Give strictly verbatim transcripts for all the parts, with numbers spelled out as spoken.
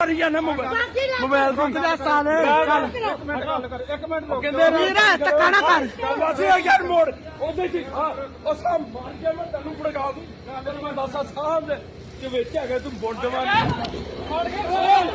ਕਰੀ ਜਾਣਾ mobile mobile ਤੋਂ ਕਿਹਦਾ ਸਾਲ ਚੱਲ ਇੱਕ ਮਿੰਟ ਗੱਲ ਕਰ ਇੱਕ ਮਿੰਟ ਰੁਕ। ਕਹਿੰਦੇ ਵੀਰ ਧੱਕਾ ਨਾ ਕਰ ਵਾਸੇ ਯਾਰ ਮੋੜ ਉਹਦੇ ਚ ਉਹ ਸਾਹ ਮਾਰ ਕੇ ਮੈਂ ਤੈਨੂੰ ਫੜਗਾ ਦੂੰ ਤੈਨੂੰ ਮੈਂ ਦੱਸਾਂ ਸਾਹਿਬ ਦੇ ਕਿ ਵਿੱਚ ਹੈਗਾ ਤੂੰ ਬੁੰਡ ਮਾਰ ਫੜ ਕੇ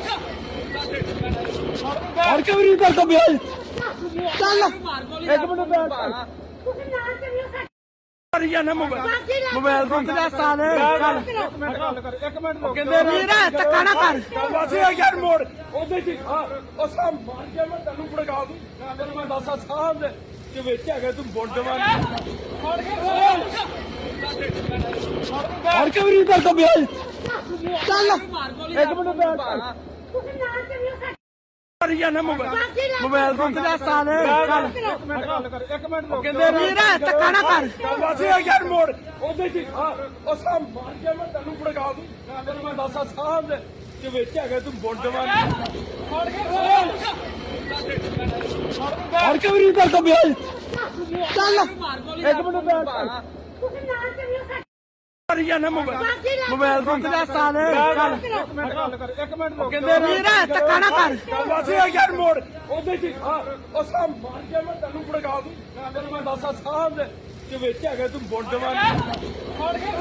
ਫੜ ਕੇ ਵੀ ਕਰ ਤਾ ਬਿਆਲ ਚੱਲ ਇੱਕ ਮਿੰਟ ਬੈਠ ਤੁਸੀਂ ਨਾਲ ਚੱਲਿਓ ਕਰੀ ਜਾਣਾ ਮੋਬਾਈਲ ਮੋਬਾਈਲ ਤੋਂ ਕਿਹਦਾ ਸਾਲ ਚੱਲ ਇੱਕ ਮਿੰਟ ਗੱਲ ਕਰ ਇੱਕ ਮਿੰਟ ਰੁਕ। ਕਹਿੰਦੇ ਵੀਰ ਧੱਕਾ ਨਾ ਕਰ ਵਾਸੇ ਯਾਰ ਮੋੜ ਉਹਦੇ ਚ ਉਹ ਸਾਹ ਮਾਰ ਕੇ ਮੈਂ ਤੈਨੂੰ ਫੜਗਾ ਦੂੰ ਤੈਨੂੰ ਮੈਂ ਦੱਸਾਂ ਸਾਹਿਬ ਦੇ ਕਿ ਵਿੱਚ ਹੈਗਾ ਤੂੰ ਬੁੰਡ ਮਾਰ ਫੜ ਕੇ ਫੜ ਕੇ ਵੀ ਕਰ ਤਾ ਬਿਆਲ ਚੱਲ ਇੱਕ ਮਿੰਟ ਬੈਠ ਤੁਸੀਂ ਨਾਲ ਚੱਲਿਓ ਕਰੀ ਜਾਣਾ ਮੋਬਾਈਲ ਮੋਬਾਈਲ ਤੋਂ ਕਿਹਦਾ ਸਾਲ ਚੱਲ ਇੱਕ ਮਿੰਟ ਗੱਲ ਕਰ ਇੱਕ ਮਿੰਟ ਰੁਕ। ਕਹਿੰਦੇ ਵੀਰ ਧੱਕਾ ਨਾ ਕਰ ਵਾਸੇ ਯਾਰ ਮੋੜ ਉਹਦੇ ਚ ਉਹ ਸਾਹ ਮਾਰ ਕੇ ਮੈਂ ਤੈਨੂੰ ਫੜਗਾ ਦੂੰ ਤੈਨੂੰ ਮੈਂ ਦੱਸਾਂ ਸਾਹਿਬ ਦੇ ਕਿ ਵਿੱਚ ਹੈਗਾ ਤੂੰ ਬੁੰਡ ਮਾਰ ਫੜ ਕੇ ਫੜ ਕੇ ਵੀ ਕਰ ਤਾ ਬਿਆਲ ਚੱਲ ਇੱਕ ਮਿੰਟ ਬੈਠ ਤੁਸੀਂ ਨਾਲ ਚੱਲਿਓ ਕਰੀ ਜਾਣਾ ਮੋਬਾਈਲ ਮੋਬਾਈਲ ਤੋਂ ਕਿਹਦਾ ਸਾਲ ਚੱਲ ਇੱਕ ਮਿੰਟ ਗੱਲ ਕਰ ਇੱਕ ਮਿੰਟ ਰੁਕ। ਕਹਿੰਦੇ ਵੀਰ ਧੱਕਾ ਨਾ ਕਰ ਵਾਸੇ ਯਾਰ ਮੋੜ ਉਹਦੇ ਚ ਉਹ ਸਾਹ ਮਾਰ ਕੇ ਮੈਂ ਤੈਨੂੰ ਫੜਗਾ ਦੂੰ ਤੈਨੂੰ ਮੈਂ ਦੱਸਾਂ ਸਾਹਿਬ ਦੇ ਕਿ ਵਿੱਚ ਹੈਗਾ ਤੂੰ ਬੁੰਡ ਮਾਰ ਫੜ ਕੇ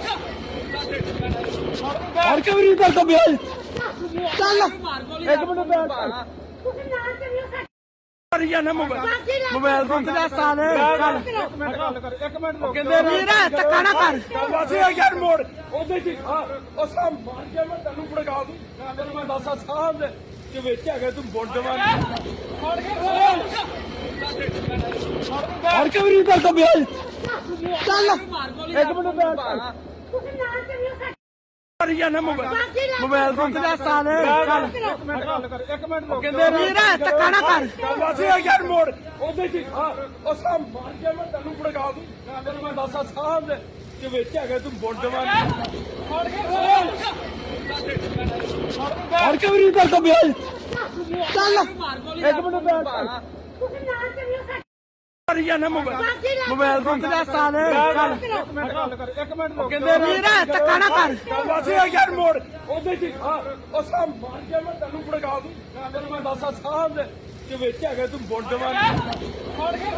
ਫੜ ਕੇ ਵੀ ਕਰ ਤਾ ਬਿਆਲ ਚੱਲ ਇੱਕ ਮਿੰਟ ਬੈਠ ਤੁਸੀਂ ਨਾਲ ਚੱਲਿਓ ਕਰੀ ਜਾਣਾ ਮੋਬਾਈਲ ਮੋਬਾਈਲ ਤੋਂ ਕਿਹਦਾ ਸਾਲ ਚੱਲ ਇੱਕ ਮਿੰਟ ਗੱਲ ਕਰ ਇੱਕ ਮਿੰਟ ਰੁਕ। ਕਹਿੰਦੇ ਵੀਰ ਧੱਕਾ ਨਾ ਕਰ ਵਾਸੇ ਯਾਰ ਮੋੜ ਉਹਦੇ ਚ ਉਹ ਸਾਹ ਮਾਰ ਕੇ ਮੈਂ ਤੈਨੂੰ ਫੜਗਾ ਦੂੰ ਤੈਨੂੰ ਮੈਂ ਦੱਸਾਂ ਸਾਹਿਬ ਦੇ ਕਿ ਵਿੱਚ ਹੈਗਾ ਤੂੰ ਬੁੰਡ ਮਾਰ ਫੜ ਕੇ ਫੜ ਕੇ ਵੀ ਕਰ ਤਾ ਬਿਆਲ ਚੱਲ ਇੱਕ ਮਿੰਟ ਬੈਠ ਤੁਸੀਂ ਨਾਲ ਚੱਲਿਓ ਕਰੀ ਜਾਣਾ ਮੋਬਾਈਲ ਮੋਬਾਈਲ ਤੋਂ ਕਿਹਦਾ ਸਾਲ ਚੱਲ ਇੱਕ ਮਿੰਟ ਗੱਲ ਕਰ ਇੱਕ ਮਿੰਟ ਰੁਕ। ਕਹਿੰਦੇ ਵੀਰ ਧੱਕਾ ਨਾ ਕਰ ਵਾਸੇ ਯਾਰ ਮੋੜ ਉਹਦੇ ਚ ਉਹ ਸਾਹ ਮਾਰ ਕੇ ਮੈਂ ਤੈਨੂੰ ਫੜਗਾ ਦੂੰ ਤੈਨੂੰ ਮੈਂ ਦੱਸਾਂ ਸਾਹਿਬ ਦੇ ਕਿ ਵਿੱਚ ਹੈਗਾ ਤੂੰ ਬੁੰਡ ਮਾਰ ਫੜ ਕੇ ਫੜ ਕੇ ਵੀ ਕਰ ਤਾ ਬਿਆਲ ਚੱਲ ਇੱਕ ਮਿੰਟ ਬੈਠ ਤੁਸੀਂ ਨਾਲ ਚੱਲਿਓ ਕਰੀ ਜਾਣਾ ਮੋਬਾਈਲ ਮੋਬਾਈਲ ਤੋਂ ਕਿਹਦਾ ਸਾਲ ਚੱਲ ਇੱਕ ਮਿੰਟ ਗੱਲ ਕਰ ਇੱਕ ਮਿੰਟ ਰੁਕ। ਕਹਿੰਦੇ ਵੀਰ ਧੱਕਾ ਨਾ ਕਰ ਵਾਸੇ ਯਾਰ ਮੋੜ ਉਹਦੇ ਚ ਉਹ ਸਾਹ ਮਾਰ ਕੇ ਮੈਂ ਤੈਨੂੰ ਫੜਗਾ ਦੂੰ ਤੈਨੂੰ ਮੈਂ ਦੱਸਾਂ ਸਾਹਿਬ ਦੇ ਕਿ ਵਿੱਚ ਹੈਗਾ ਤੂੰ ਬੁੰਡ ਮਾਰ ਫੜ ਕੇ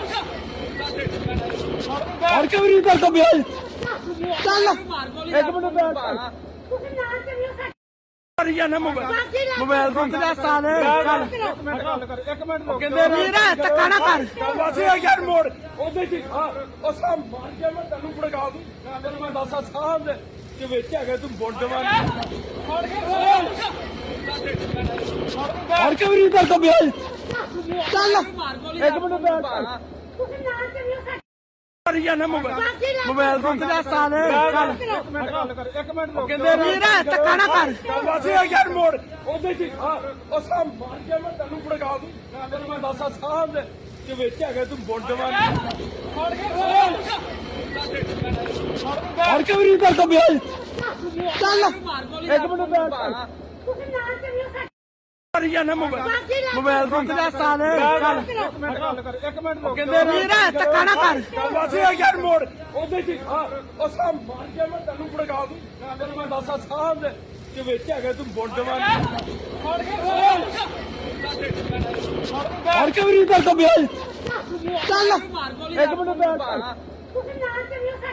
ਫੜ ਕੇ ਵੀ ਕਰ ਤਾ ਬਿਆਲ ਚੱਲ ਇੱਕ ਮਿੰਟ ਬੈਠ ਤੁਸੀਂ ਨਾਲ ਚੱਲਿਓ ਕਰੀ ਜਾਣਾ ਮੋਬਾਈਲ ਮੋਬਾਈਲ ਤੋਂ ਕਿਹਦਾ ਸਾਲ ਚੱਲ ਇੱਕ ਮਿੰਟ ਗੱਲ ਕਰ ਇੱਕ ਮਿੰਟ ਰੁਕ। ਕਹਿੰਦੇ ਵੀਰ ਧੱਕਾ ਨਾ ਕਰ ਵਾਸੇ ਯਾਰ ਮੋੜ ਉਹਦੇ ਚ ਉਹ ਸਾਹ ਮਾਰ ਕੇ ਮੈਂ ਤੈਨੂੰ ਫੜਗਾ ਦੂੰ ਤੈਨੂੰ ਮੈਂ ਦੱਸਾਂ ਸਾਹਿਬ ਦੇ ਕਿ ਵਿੱਚ ਹੈਗਾ ਤੂੰ ਬੁੰਡ ਮਾਰ ਫੜ ਕੇ ਫੜ ਕੇ ਵੀ ਕਰ ਤਾ ਬਿਆਲ ਚੱਲ ਇੱਕ ਮਿੰਟ ਬੈਠ ਤੁਸੀਂ ਨਾਲ ਚੱਲਿਓ ਕਰੀ ਜਾਣਾ ਮੋਬਾਈਲ ਮੋਬਾਈਲ ਤੋਂ ਕਿਹਦਾ ਸਾਲ ਚੱਲ ਇੱਕ ਮਿੰਟ ਗੱਲ ਕਰ ਇੱਕ ਮਿੰਟ ਰੁਕ। ਕਹਿੰਦੇ ਵੀਰ ਧੱਕਾ ਨਾ ਕਰ ਵਾਸੇ ਯਾਰ ਮੋੜ ਉਹਦੇ ਚ ਉਹ ਸਾਹ ਮਾਰ ਕੇ ਮੈਂ ਤੈਨੂੰ ਫੜਗਾ ਦੂੰ ਤੈਨੂੰ ਮੈਂ ਦੱਸਾਂ ਸਾਹਿਬ ਦੇ ਕਿ ਵਿੱਚ ਹੈਗਾ ਤੂੰ ਬੁੰਡ ਮਾਰ ਫੜ ਕੇ ਫੜ ਕੇ ਵੀ ਕਰ ਤਾ ਬਿਆਲ ਚੱਲ ਇੱਕ ਮਿੰਟ ਬੈਠ ਤੁਸੀਂ ਨਾਲ ਚੱਲਿਓ ਕਰੀ ਜਾਣਾ ਮੋਬਾਈਲ ਮੋਬਾਈਲ ਤੋਂ ਕਿਹਦਾ ਸਾਲ ਚੱਲ ਇੱਕ ਮਿੰਟ ਗੱਲ ਕਰ ਇੱਕ ਮਿੰਟ ਰੁਕ। ਕਹਿੰਦੇ ਵੀਰ ਧੱਕਾ ਨਾ ਕਰ ਵਾਸੇ ਯਾਰ ਮੋੜ ਉਹਦੇ ਚ ਉਹ ਸਾਹ ਮਾਰ ਕੇ ਮੈਂ ਤੈਨੂੰ ਫੜਗਾ ਦੂੰ ਤੈਨੂੰ ਮੈਂ ਦੱਸਾਂ ਸਾਹਿਬ ਦੇ ਕਿ ਵਿੱਚ ਹੈਗਾ ਤੂੰ ਬੁੰਡ ਮਾਰ ਫੜ ਕੇ ਫੜ ਕੇ ਵੀ ਕਰ ਤਾ ਬਿਆਲ ਚੱਲ ਇੱਕ ਮਿੰਟ ਬੈਠ ਤੁਸੀਂ ਨਾਲ ਚੱਲਿਓ